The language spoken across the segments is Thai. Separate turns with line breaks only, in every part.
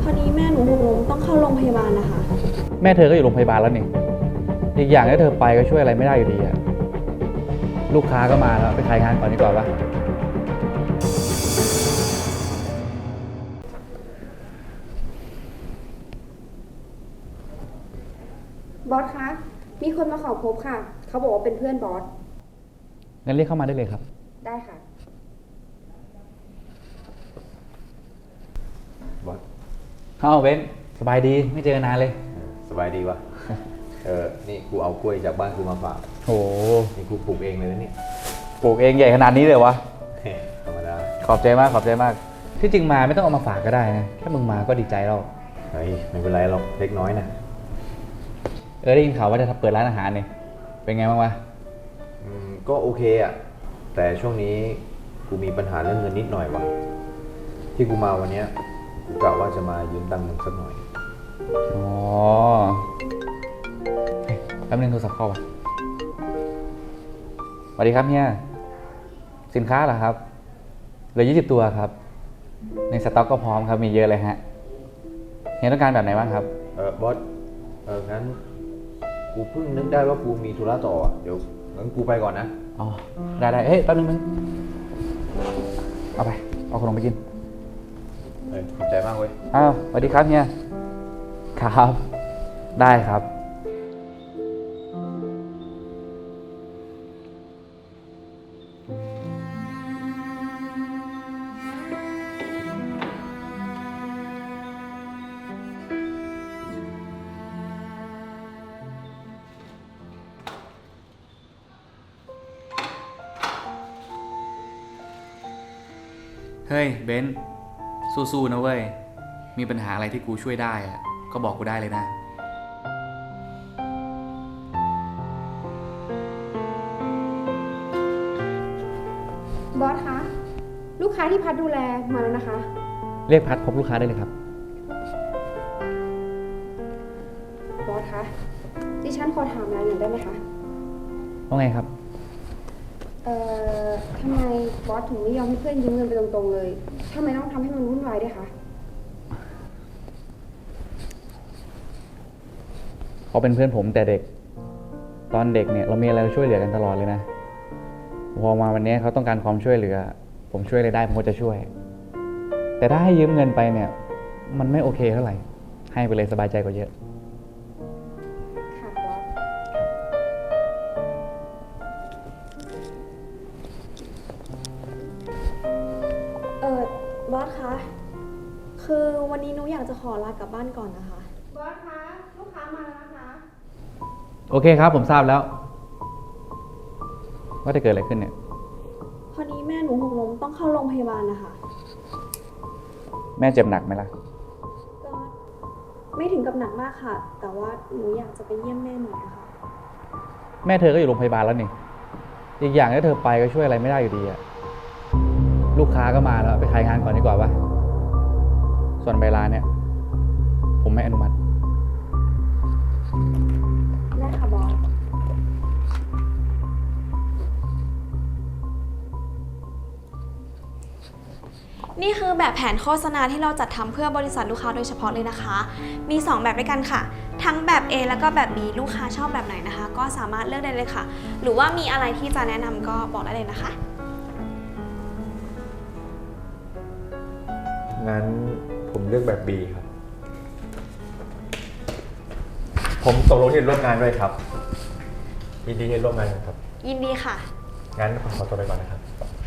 อดีแม่หนูหกล้มต้องเข้าโรงพยาบาลนะคะ
แม่เธอก็อยู่โรงพยาบาลแล้วนี่อีกอย่างถ้าเธอไปก็ช่วยอะไรไม่ได้อยู่ดีอะลูกค้าก็มาแล้วไปขายงานก่อนดีกว่าปะ
บอสคะ มีคนมาขอพบค่ะ เขาบอกว่าเป็นเพื่อนบอส
งั้นเรียกเข้ามาได้เลยครับ
ได้ค่ะ
บอส
เบนสบายดีไม่เจอกันนานเลย
สบายดีวะ นี่กูเอากล้วยจากบ้านกูมาฝาก
โห
นี่กูปลูกเองเลยนะเนี่ย
ปลูกเองใหญ่ขนาดนี้เลยวะ
ธรรมดา
ขอบใจมากขอบใจมาก ที่จริงมาไม่ต้องเอามาฝากก็ได้นะแค่มึงมาก็ดีใจแล้ว
เฮ้ยไม่เป็นไรหรอกเล็กน้อยนะ
ได้ยินข่าวว่าจะเปิดร้านอาหารเนี่ยเป็นไงบ้างวะ
ก็โอเคอะแต่ช่วงนี้กูมีปัญหาเรื่องเงินนิดหน่อยวะที่กูมาวันเนี้ยกูกะว่าจะมายืมตังค์มึงสักหน่อย
อ๋อเฮ้ยแป๊บนึงโทรศัพท์เข้าป่ะสวัสดีครับเฮียสินค้าเหรอครับเหลือ20 ตัวครับในสต็อกก็พร้อมครับมีเยอะเลยฮะเฮียต้องการแบบไหนบ้างครับ
บอสงั้นกูเพิ่งนึกได้ว่ากูมีธุระต่ออะเดี๋ยวงั้นกูไปก่อนนะ
อ๋อได้เฮ้ยแป๊บนึงเอาไปเอาขนมไปกิน
ขอบใจมากเว้ย
อ้าวสวัสดีครับเฮียครับได้ครับ เฮ้ยเบนซ์สู้ๆนะเว้ยมีปัญหาอะไรที่กูช่วยได้อะก็บอกกูได้เลยนะ
บอสคะ ลูกค้าที่พัดดูแลมาแล้วนะคะ
เรียกพัดพบลูกค้าได้เลยครับ
บอสคะ ดิฉันขอถามอะไรหน่อยได้ไหมคะ
ว่าไงครับ
ทำไมบอสถึงไม่ยอมให้เพื่อนยืมเงินไปตรงๆเลยทำไมต้องทำให้มันวุ่นวายด้วยคะ
เขาเป็นเพื่อนผมแต่เด็ก ตอนเด็กเนี่ยเรามีอะไรเราช่วยเหลือกันตลอดเลยนะ พอมาวันนี้เขาต้องการความช่วยเหลือ ผมช่วยอะไรได้ผมก็จะช่วย แต่ถ้าให้ยืมเงินไปเนี่ย มันไม่โอเคเท่าไหร่ ให้ไปเลยสบายใจกว่าเยอะ
ค่ะบอส บอสคะ คือวันนี้หนูอยากจะขอลากลับบ้านก่อนนะคะ บอสคะ ลูกค้ามาแล้วนะคะ
โอเคครับผมทราบแล้ว ว่าจะเกิดอะไรขึ้นเนี่ย
พอดีแม่หนูหกล้มต้องเข้าโรงพยาบาลนะคะ
แม่เจ็บหนักไหมล่ะ
ก็ไม่ถึงกับหนักมากค่ะ แต่ว่าหนูอยากจะไปเยี่ยมแม่หน่อยอะค่ะ
แม่เธอก็อยู่โรงพยาบาลแล้วนี่อีกอย่างถ้าเธอไปก็ช่วยอะไรไม่ได้อยู่ดีอะลูกค้าก็มาแล้วไปขายงานก่อนดีกว่าปะส่วนเวลาเนี่ย ผมไม่อนุมัติ
ได้ค่ะบอส
นี่คือแบบแผนโฆษณาที่เราจัดทำเพื่อบริษัทลูกค้าโดยเฉพาะเลยนะคะ มี 2 แบบด้วยกันค่ะ ทั้งแบบ A แล้วก็แบบ B ลูกค้าชอบแบบไหนนะคะ ก็สามารถเลือกได้เลยค่ะ หรือว่ามีอะไรที่จะแนะนำก็บอกได้เลยนะคะ
งั้นผมเลือกแบบ B ครับ ผมตกลงที่จะร่วมงานด้วยครับ ยินดีที่ร่วมงานกันครับ
ยินดีค่ะ
งั้นผมขอตัวไปก่อนนะครับ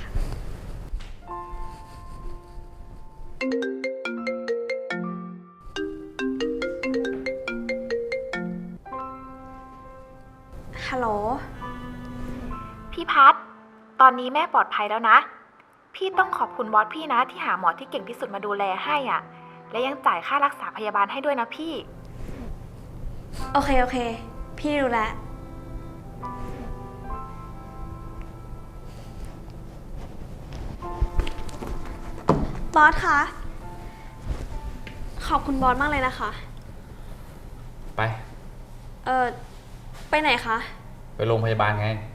ฮัลโหล
พี่พัดตอนนี้แม่ปลอดภัยแล้วนะ พี่ต้องขอบคุณบอสพี่นะที่หาหมอที่เก่งที่สุดมาดูแลให้อ่ะ และยังจ่ายค่ารักษาพยาบาลให้ด้วยนะพี่
โอเค พี่รู้แล้ว บอสคะ ขอบคุณบอสมากเลยนะคะ
ไป
ไปไหนคะ
ไปโรงพยาบาลไง